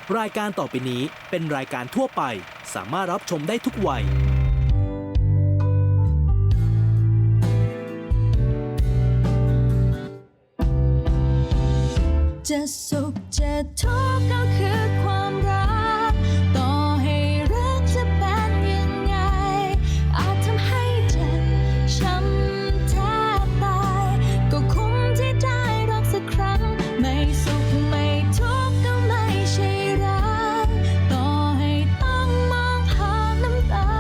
รายการต่อไปนี้เป็นรายการทั่วไปสามารถรับชมได้ทุกวัยจะสุขจะทุกข์ก็คือความรักต่อให้รักจะเป็นยังไงอาจทำให้เจ็บช้ำแทบตายก็คุ้มที่ได้รักสักครั้งไม่สุขไม่ทุกข์ก็ไม่ใช่รักต่อให้ต้องมองผ่านน้ำตา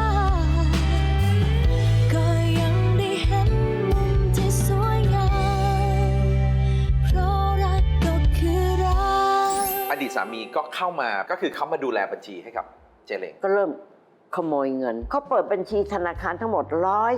ก็ยังได้เห็นมุมที่สวยงามเพราะรักก็คือรักอดีตสามีก็เข้ามาก็คือเขามาดูแลบัญชีให้กับเจเล้งก็เริ่มขโมยเงินเขาเปิดบัญชีธนาคารทั้งหมด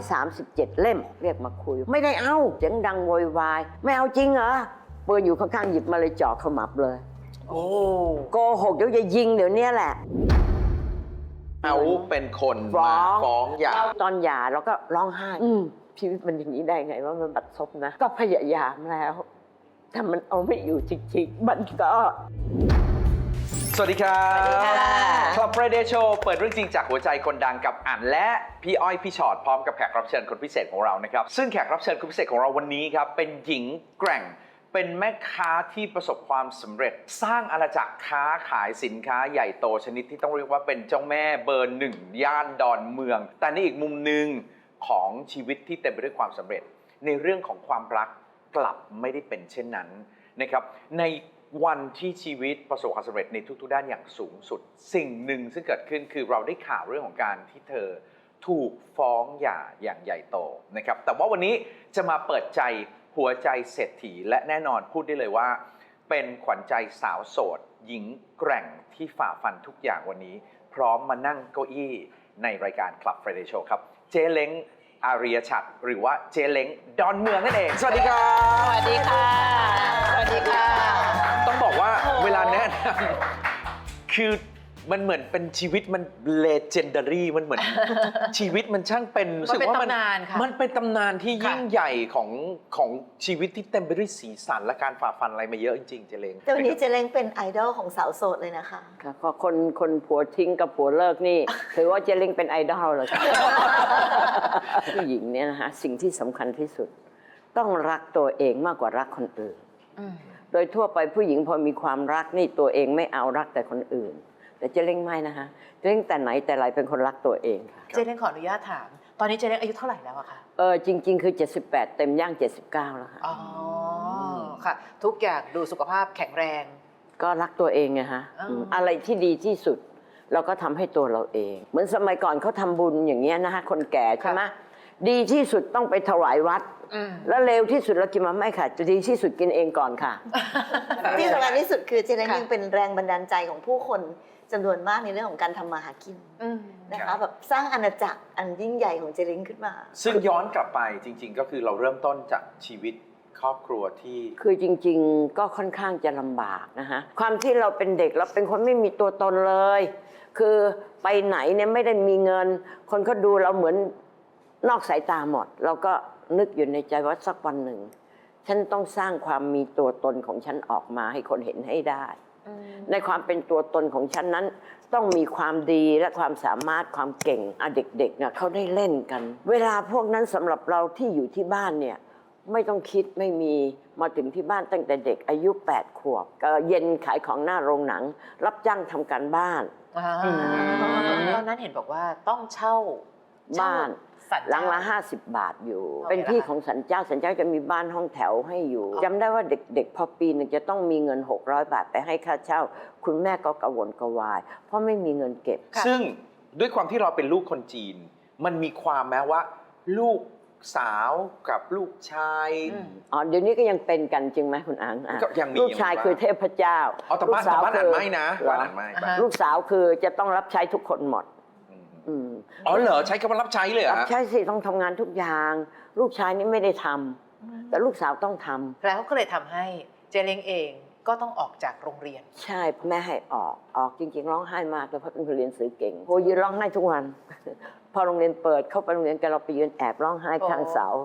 137เล่มเรียกมาคุยไม่ได้เอาเสียงดังโวยวายไม่เอาจริงเหรอปืนอยู่ข้างๆหยิบมาเลยจ่อขมับเลยโอ้โกหกเดี๋ยวจะยิงเดี๋ยวนี้แหละเขาเป็นคนฟ้มาองฟ้องหย่าตอนหย่าเราก็ร้องไห้ชีวิตมันอย่างนี้ได้ไงว่ามันบัดซบนะก็พยายามแล้วแต่มันเอาไม่อยู่จริงๆมันก็สวัสดีครับสวัสดีค่ะคลับ Friday Show เปิดเรื่องจริงจากหัวใจคนดังกับอั๋นและพี่อ้อยพี่ชอตพร้อมกับแขกรับเชิญคนพิเศษของเรานะครับซึ่งแขกรับเชิญคนพิเศษของเราวันนี้ครับเป็นหญิงแกร่งเป็นแม่ค้าที่ประสบความสำเร็จ สร้างอาณาจักรค้าขายสินค้าใหญ่โตชนิดที่ต้องเรียกว่าเป็นเจ้าแม่เบอร์หนึ่งย่านดอนเมือง แต่ในอีกมุมหนึ่งของชีวิตที่เต็มไปด้วยความสำเร็จ ในเรื่องของความรักกลับไม่ได้เป็นเช่นนั้นนะครับในวันที่ชีวิตประสบความสำเร็จในทุกๆด้านอย่างสูงสุดสิ่งหนึ่งซึ่งเกิดขึ้นคือเราได้ข่าวเรื่องของการที่เธอถูกฟ้องหย่าอย่างใหญ่โตนะครับแต่ว่าวันนี้จะมาเปิดใจหัวใจเศรษฐีและแน่นอนพูดได้เลยว่าเป็นขวัญใจสาวโสดหญิงแกร่งที่ฝ่าฟันทุกอย่างวันนี้พร้อมมานั่งเก้าอี้ในรายการ Club Friday Show ครับเจเล้งอาริยชัดหรือว่าเจเล้งดอนเมืองนั่นเองสวัสดีครับสวัสดีค่ะ สวัสดีค่ะต้องบอกว่าเวลาแนะนำคือมันเหมือนเป็นชีวิตมัน legendary มันเหมือน ชีวิตมันช่างเป็นรู้สึกว่ามันเป็นตำนานค่ะมันเป็นตำนานที่ยิ่งใหญ่ของชีวิตที่เต็มไปด้วยสีสันและการฝ่าฟันอะไรมาเยอะจริงๆเจเล้งแต่วันนี้เจเล้งเป็นไอดอลของสาวโสดเลยนะคะค่ะก็คนผัวทิ้งกับผัวเลิกนี่ ถือว่าเจเล้งเป็นไอดอลเลยค่ะ ผู้หญิงเนี่ยนะคะสิ่งที่สำคัญที่สุด ต้องรักตัวเองมากกว่ารักคนอื่น โดยทั่วไปผู้หญิงพอมีความรักนี่ตัวเองไม่เอารักแต่คนอื่น แต่เจเล้งไม่นะคะเจเล้งแต่ไหนแต่ไรเป็นคนรักตัวเองค่ะเจเล้งขออนุญาตถาม ตอนนี้เจเล้งอายุเท่าไหร่แล้วอะคะจริง ๆ คือ 78 เต็มย่าง 79 แล้วค่ะอ๋อค่ะ ทุกอย่างดูสุขภาพแข็งแรงก็รักตัวเองไงฮะ อะไรที่ดีที่สุด เราก็ทำให้ตัวเราเอง เหมือนสมัยก่อนเขาทำบุญอย่างเงี้ยนะคะคนแก่ใช่ไหมดีที่สุดต้องไปถวายวัด แล้วเร็วที่สุดเรากินมาไม่ค่ะจะดีที่สุดกินเองก่อนค่ะที่สำคัญที่สุดคือเจเล้งค่ะยังเป็นแรงบันดาลใจของผู้คนจำนวนมากในเรื่องของการทำมาหากินนะคะแบบสร้างอาณาจักรอันยิ่งใหญ่ของเจเล้งขึ้นมาซึ่งย้อนกลับไปจริงๆ ก็คือเราเริ่มต้นจากชีวิตครอบครัวที่คือจริงๆ ก็ค่อนข้างจะลำบากนะคะความที่เราเป็นเด็กเราเป็นคนไม่มีตัวตนเลย คือไปไหนเนี่ยไม่ได้มีเงิน คนเขาดูเราเหมือนนอกสายตาหมด เราก็นึกอยู่ในใจว่าสักวันหนึ่ง ฉันต้องสร้างความมีตัวตนของฉันออกมาให้คนเห็นให้ได้ ในความเป็นตัวตนของฉันนั้นต้องมีความดีและความสามารถความเก่งเด็กๆเนี่ยเขาได้เล่นกัน เวลาพวกนั้นสำหรับเราที่อยู่ที่บ้านเนี่ยไม่ต้องคิดไม่มีมาถึงที่บ้านตั้งแต่เด็กอายุ8 ขวบก็เย็นขายของหน้าโรงหนัง รับจ้างทำการบ้านตอนนั้นเห็นบอกว่าต้องเช่าบ้านสัญหลังละเจ้า 50 บาทอยู่โอเคเป็นที่แล้วค่ะของสันเจ้าสันเจ้าจะมีบ้านห้องแถวให้อยู่จำได้ว่าเด็กๆ พอปีหนึงจะต้องมีเงิน600 บาทไปให้ค่าเช่า คุณแม่ก็กระวนกระวาย เพราะไม่มีเงินเก็บซึ่งด้วยความที่เราเป็นลูกคนจีน มันมีความแม้ว่า ลูกสาวกับลูกชายอ๋อเดี๋ยวนี้ก็ยังเป็นกันจริงไหมคุณอังอ่ะก็ยังมีลูกชายคือเทพเจ้าเอาแต่บ้านแต่บ้านอ่านไม่นะบ้านอ่านไม่ลูกสาวคือจะต้องรับใช้ทุกคนหมดอ๋อเหรอใช้คำว่ารับใช้เลยเหรอรับฮะใช้สิต้องทำงานทุกอย่าง ลูกชายนี่ไม่ได้ทำแต่ลูกสาวต้องทำแล้วก็เลยทำให้เจเล้งเองก็ต้องออกจากโรงเรียนใช่แม่ให้ออกจริงๆร้องไห้มากเลยเพราะเป็นคนเรียนสื่อเก่งโหยืนร้องไห้ทุกวัน พอโรงเรียนเปิดเข้าไปโรงเรียนกันเราไปยืนแอบร้องไห้ข้างเสา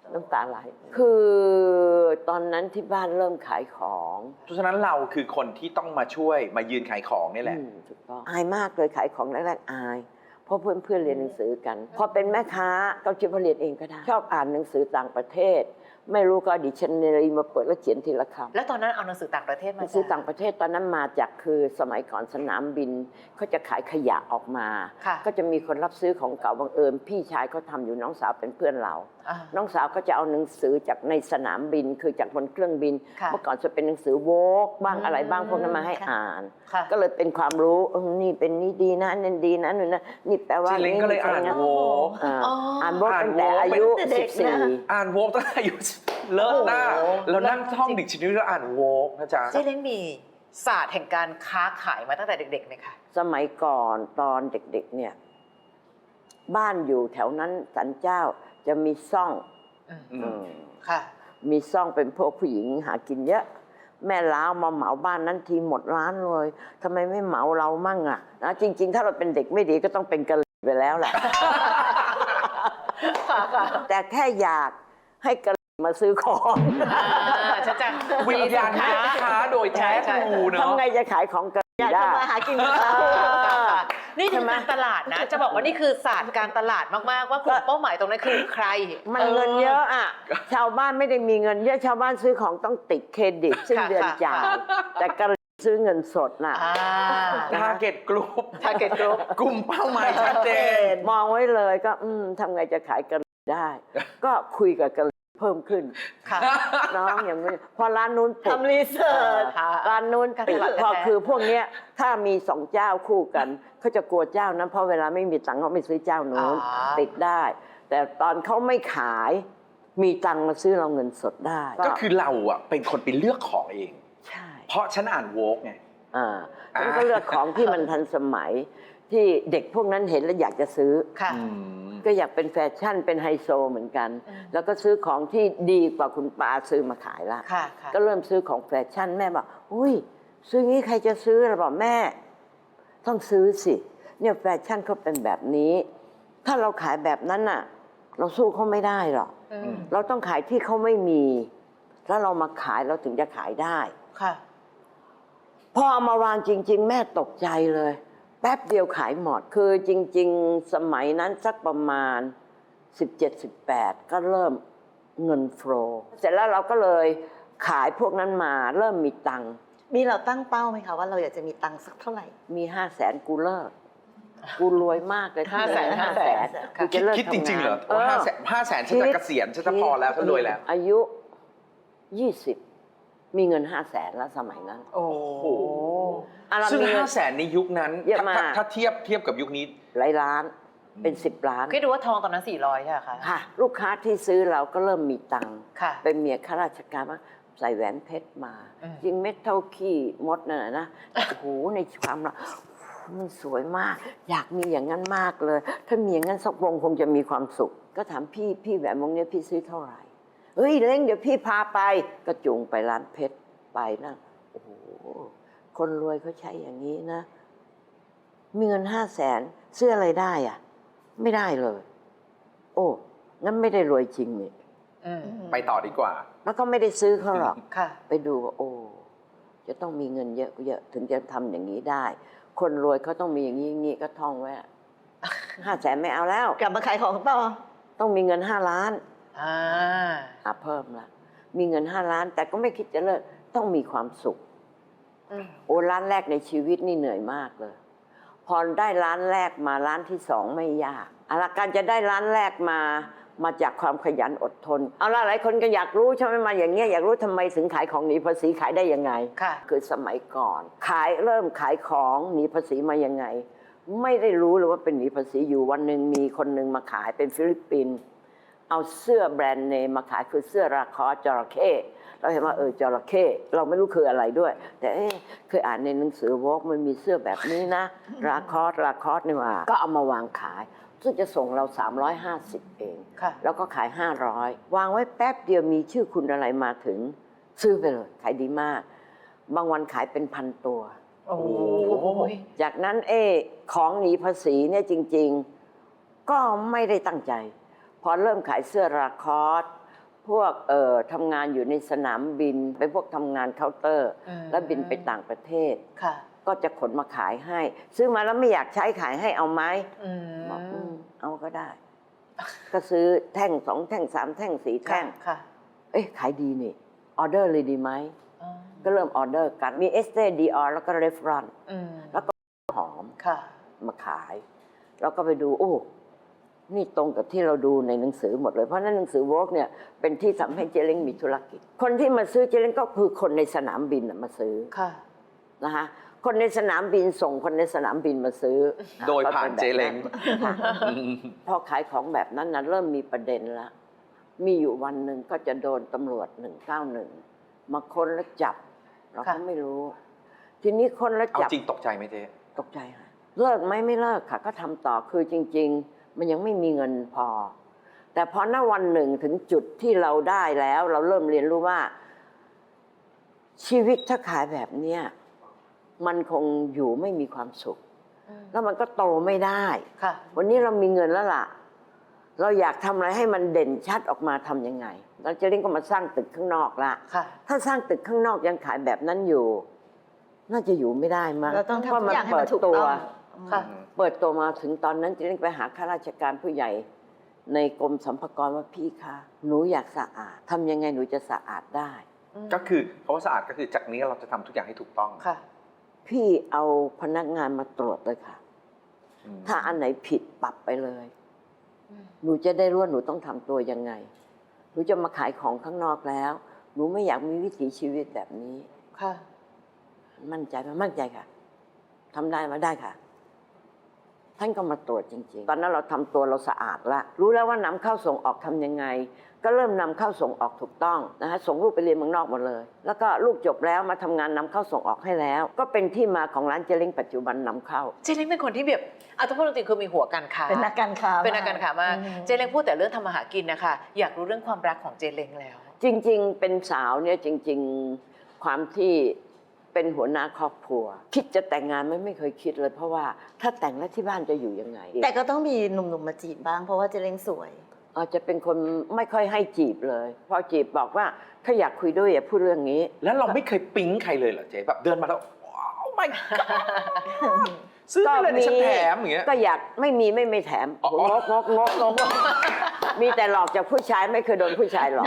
น้ำตาไหลคือตอนนั้นที่บ้านเริ่มขายของเพราะฉะนั้นเราคือคนที่ต้องมาช่วยมายืนขายของนี่แหละถูกต้องอายมากเลยขายของแรกๆอายเพราะเพื่อนๆเรียนหนังสือกันพอเป็นแม่ค้าก็คิดว่าเรียนเองก็ได้ชอบอ่านหนังสือต่างประเทศ ไม่รู้ก็ดิชันนารีมาเปิดแล้วเขียนทีละคำแล้วตอนนั้นเอาหนังสือต่างประเทศหมานังสือต่างประเทศตอนนั้นมาจากคือสมัยก่อนสนามบินเขาจะขายขยะออกมาค่ะก็จะมีคนรับซื้อของเก่าบังเอิญพี่ชายเขาทำอยู่น้องสาวเป็นเพื่อนเราอ่าน้องสาวก็จะเอาหนังสือจากในสนามบินคือจากบนเครื่องบินค่ะเมื่อก่อนจะเป็นหนังสือโวกบ้างอะไรบ้างพวกนั้นมาให้ค่ะอ่านค่ะก็เลยเป็นความรู้นี่เป็นนี่ดีนะนั่นดีนะนู่นนะนี่แปลว่าเจเล้งก็เลยอ่านโวกอ่านโวกอ่านตั้งแต่โวกอายุเป็นเด็กนะ 14 อ่านโวกตั้งแต่อายุเลิศหน้าโอ้โหแล้วนั่งท่องดิกชันนารีแล้วอ่านโวกนะจ๊ะเจ๊เล้งมีศาสตร์แห่งการค้าขายมาตั้งแต่เด็กๆไหมคะสมัยก่อนตอนเด็กๆเนี่ยบ้านอยู่แถวนั้นสันเจ้าจะมีซ่องอืมค่ะมีซ่องเป็นพวกผู้หญิงหากินเยอะ แม่ล้าวมาเหมาบ้านนั้นทีหมดร้านเลยทำไมไม่เหมาเรามั่งอ่ะนะจริง ๆ ถ้าเราเป็นเด็กไม่ดีก็ต้องเป็นกะหรี่ไปแล้วแหละ แต่แค่อยากให้กะหรี่มาซื้อของฉันจะวิญญาณแม่ค้าโดยแท้ทรูเนาะทำไงจะขายของกะหอยารี่กได้ทำมาหากินกับเขานี่คือการตลาดนะ จะบอกว่านี่คือศาสตร์การตลาดมากๆ ว่ากลุ่มเป้าหมายตรงนั้นคือใครมันเงินเยอะอ่ะ ชาวบ้านไม่ได้มีเงินเยอะ ชาวบ้านซื้อของต้องติดเครดิตสิ้นเดือนจ่าย แต่กะหรี่ซื้อเงินสดน่ะทาร์เก็ตกลุ่ม Target Group กลุ่มเป้าหมายชัดเจนมองไว้เลยก็ทำไงจะขายกะหรี่ได้ ก็คุยกับกะหรี่เพิ่มขึ้นค่ะน้องอย่างนี้พอร้านนู้นปิดทำรีเสิร์ชร้านนู้นปิดการตลาดพอแท้ๆคือพวกเนี้ยถ้ามีสองเจ้าคู่กันเขาจะกลัวเจ้านั้นเพราะเวลาไม่มีตังค์เขาไม่ซื้อเจ้านู้นติดได้ แต่ตอนเขาไม่ขายมีตังค์มาซื้อเราเงินสดได้ก็คือเราอ่ะเป็นคนไปเลือกของเองใช่เพราะฉันอ่านโวกไงฉันก็เลือกของที่มันทันสมัยที่เด็กพวกนั้นเห็นแล้วอยากจะซื้อค่ะก็อยากเป็นแฟชั่นเป็นไฮโซเหมือนกัน แล้วก็ซื้อของที่ดีกว่าคุณป้าซื้อมาขายละค่ะค่ะก็เริ่มซื้อของแฟชั่นแม่บอกอุ้ยซื้องี้ใครจะซื้อเราบอกแม่ ต้องซื้อสิเนี่ยแฟชั่นเขาเป็นแบบนี้ ถ้าเราขายแบบนั้นน่ะ เราสู้เขาไม่ได้หรอก เราต้องขายที่เขาไม่มี แล้วเรามาขายเราถึงจะขายได้ค่ะพอเอามาวางจริง ๆ แม่ตกใจเลย แป๊บเดียวขายหมด คือจริง ๆ สมัยนั้นสักประมาณ 17-18 ก็เริ่มเงินโฟลว์เสร็จแล้วเราก็เลยขายพวกนั้นมาเริ่มมีตังค์มีเราตั้งเป้าไหมคะว่าเราอยากจะมีตังค์สักเท่าไหร่มี500,000กูเลิกกูรวยมากเลย 500,000 500,000กูจะเลิกคิดจริงๆเหรอทำงานว่า500,000ฉันจะเกษียณฉันจะพอแล้วฉันรวยแล้วอายุ 20 มีเงิน500,000แล้วสมัยนั้นโอ้โหอ่ะเราซึ่งมีเงิน 500,000ในยุคนั้นเยอะมากถ้าเทียบกับยุคนี้หลายล้านเป็น10 ล้านคิดดูว่าทองตอนนั้น400ใช่ไหมคะค่ะ ลูกค้าที่ซื้อเราก็เริ่มมีตังค์ค่ะเป็นเมียข้าราชการว่าใส่แหวนเพชรมา จริงเม็ดเท่าขี้มดนั่นนะโอ้โหในความเรามันสวยมาก อยากมีอย่างนั้นมากเลย ถ้ามีอย่างนั้นสักวงคงจะมีความสุข ก็ถามพี่แหวนวงนี้พี่ซื้อเท่าไหร่เฮ้ยเล้งเดี๋ยวพี่พาไปก็จูงไปร้านเพชรไปนะโอ้โหคนรวยเขาใช้อย่างนี้นะ มีเงิน500,000ซื้ออะไรได้อะไม่ได้เลย โอ้งั้นไม่ได้รวยจริงนี่ไปต่อดีกว่าแล้วก็ไม่ได้ซื้อเขาหรอกค่ะไปดูว่าโอ้จะต้องมีเงินเยอะๆถึงจะทำอย่างนี้ได้ คนรวยเขาต้องมีอย่างนี้อย่างนี้ก็ท่องไว้500,000ไม่เอาแล้วกลับมาขายของต่อต้องมีเงิน5 ล้าน เพิ่มละมีเงิน5 ล้าน แต่ก็ไม่คิดจะเลิกต้องมีความสุข โอ้ร้านแรกในชีวิตนี่เหนื่อยมากเลย พอได้ร้านแรกมาร้านที่2ไม่ยากเอาละการจะได้ร้านแรกมาจากความขยันอดทนเอาละหลายคนก็อยากรู้ใช่ไหมมาอย่างเงี้ยอยากรู้ทำไมถึงขายของหนีภาษีขายได้ยังไงค่ะคือสมัยก่อนเริ่มขายของหนีภาษีมายังไง ไม่ได้รู้เลยว่าเป็นหนีภาษีอยู่วันหนึ่งมีคนหนึ่งมาขายเป็นฟิลิปปินส์เอาเสื้อแบรนด์เนมมาขายคือเสื้อราคอสจระเข้เราเห็นว่าจระเข้เราไม่รู้คืออะไรด้วย แต่เคยอ่านในหนังสือวอล์กมันมีเสื้อแบบนี้นะ ราคอสนี่ว่าก็เอามาวางขาย ซึ่งจะส่งเรา350เองค่ะแล้วก็ขาย500วางไว้แป๊บเดียวมีชื่อคุณอะไรมาถึงซื้อไปเลยขายดีมาก บางวันขายเป็น1,000 ตัวโอ้โหจากนั้นของหนีภาษีเนี่ยจริงๆ ก็ไม่ได้ตั้งใจ พอเริ่มขายเสื้อราคอสพวกทำงานอยู่ในสนามบินเป็นพวกทำงานเคาน์เตอร์ แล้วบินไปต่างประเทศค่ะก็จะขนมาขายให้ ซื้อมาแล้วไม่อยากใช้ขายให้เอาไหมบอกเอาก็ได้ ก็ซื้อแท่ง2 แท่ง 3 แท่ง 4 แท่งค่ะเอ๊ะขายดีนี่ออเดอร์เลยดีไหมอ๋อก็เริ่มออเดอร์กันมีเอสเตดีออแล้วก็เรฟรอน แล้วก็หอมค่ะมาขาย แล้วก็ไปดูโอ้นี่ตรงกับที่เราดูในหนังสือหมดเลย เพราะนั้นหนังสือโวกเนี่ยเป็นที่ทำให้เจเล้งมีธุรกิจ คนที่มาซื้อเจเล้งก็คือคนในสนามบินมาซื้อค่ะนะคะคนในสนามบินส่งคนในสนามบินมาซื้อโดยผ่านเจเล้งค่ะพอขายของแบบนั้นนะเริ่มมีประเด็นละมีอยู่วันหนึ่งก็จะโดนตำรวจ191มาค้นแล้วจับ เราก็ไม่รู้ ทีนี้ค้นแล้วเอาจับจริงตกใจไหมเจ๊ตกใจค่ะเลิกไหมไม่เลิกค่ะ ก็ทำต่อคือจริง ๆ มันยังไม่มีเงินพอ แต่พอณวันหนึ่งถึงจุดที่เราได้แล้ว เราเริ่มเรียนรู้ว่า ชีวิตถ้าขายแบบเนี้ยมันคงอยู่ไม่มีความสุข แล้วมันก็โตไม่ได้ค่ะวันนี้เรามีเงินแล้วล่ะ เราอยากทำอะไรให้มันเด่นชัดออกมาทำยังไงเราจะเล่นก็มาสร้างตึกข้างนอกละค่ะถ้าสร้างตึกข้างนอกยังขายแบบนั้นอยู่ น่าจะอยู่ไม่ได้มั้งเราต้องทำเพราะทุกอย่างให้มันถูกต้องค่ะเปิดตัวมาถึงตอนนั้นจะเล่นไปหาข้าราชการผู้ใหญ่ ในกรมสรรพากรว่าพี่คะหนูอยากสะอาดทำยังไงหนูจะสะอาดได้ก็คือคำว่าสะอาดก็คือจากนี้เราจะทำทุกอย่างให้ถูกต้องค่ะพี่เอาพนักงานมาตรวจเลยค่ะอืมถ้าอันไหนผิดปรับไปเลย หนูจะได้รู้ว่าหนูต้องทำตัวยังไง หนูจะมาขายของข้างนอกแล้ว หนูไม่อยากมีวิถีชีวิตแบบนี้ค่ะมั่นใจไหมมั่นใจค่ะทำได้ไหมาได้ค่ะ ท่านก็มาตรวจจริงๆ ตอนนั้นเราทำตัวเราสะอาดละรู้แล้วว่านำเข้าส่งออกทำยังไง ก็เริ่มนำเข้าส่งออกถูกต้องนะคะส่งลูกไปเรียนเมืองนอกหมดเลย แล้วก็ลูกจบแล้วมาทำงานนำเข้าส่งออกให้แล้ว ก็เป็นที่มาของร้านเจเล้งปัจจุบันนำเข้าเจเล้งเป็นคนที่แบบเอาทุกคนจริงๆคือมีหัวการค้าเป็นนักการค้าเป็นนักการค้ามาก เจเล้งพูดแต่เรื่องทำมาหากินนะคะ อยากรู้เรื่องความรักของเจเล้งแล้วจริงๆ เป็นสาวเนี่ยจริงๆ ความที่เป็นหัวหน้าครอบครัว คิดจะแต่งงานไม่เคยคิดเลย เพราะว่าถ้าแต่งแล้วที่บ้านจะอยู่ยังไงแต่ก็ต้องมีหนุ่มๆมาจีบบ้างเพราะว่าเจเล้งสวยอาจจะเป็นคนไม่ค่อยให้จีบเลย พอจีบบอกว่าถ้าอยากคุยด้วยอย่าพูดเรื่องนี้แล้วเราไม่เคยปิ๊งใครเลยเหรอเจ๊แบบเดินมาแล้วว้าวไม่ซื้อไปเลยในฉันแถมอย่างเงี้ยก็อยากไม่แถมอ๋องกมีแต่หลอกจากผู้ชายไม่เคยโดนผู้ชายหลอก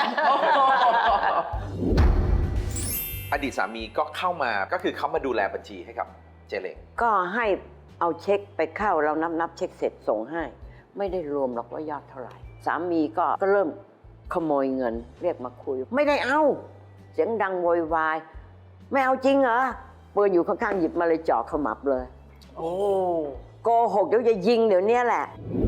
อดีตสามีก็เข้ามาก็คือเขามาดูแลบัญชีให้กับเจเล้งก็ให้เอาเช็คไปเข้าเรานับเช็คเสร็จส่งให้ ไม่ได้รวมหรอกว่ายอดเท่าไหร่ สามีก็เริ่มขโมยเงินเรียกมาคุย ไม่ได้เอาเสียงดังโวยวายไม่เอาจริงเหรอปืนอยู่ข้างๆหยิบมาเลยจ่อขมับเลยโอ้โกหกเดี๋ยวจะยิงเดี๋ยวนี้แหละ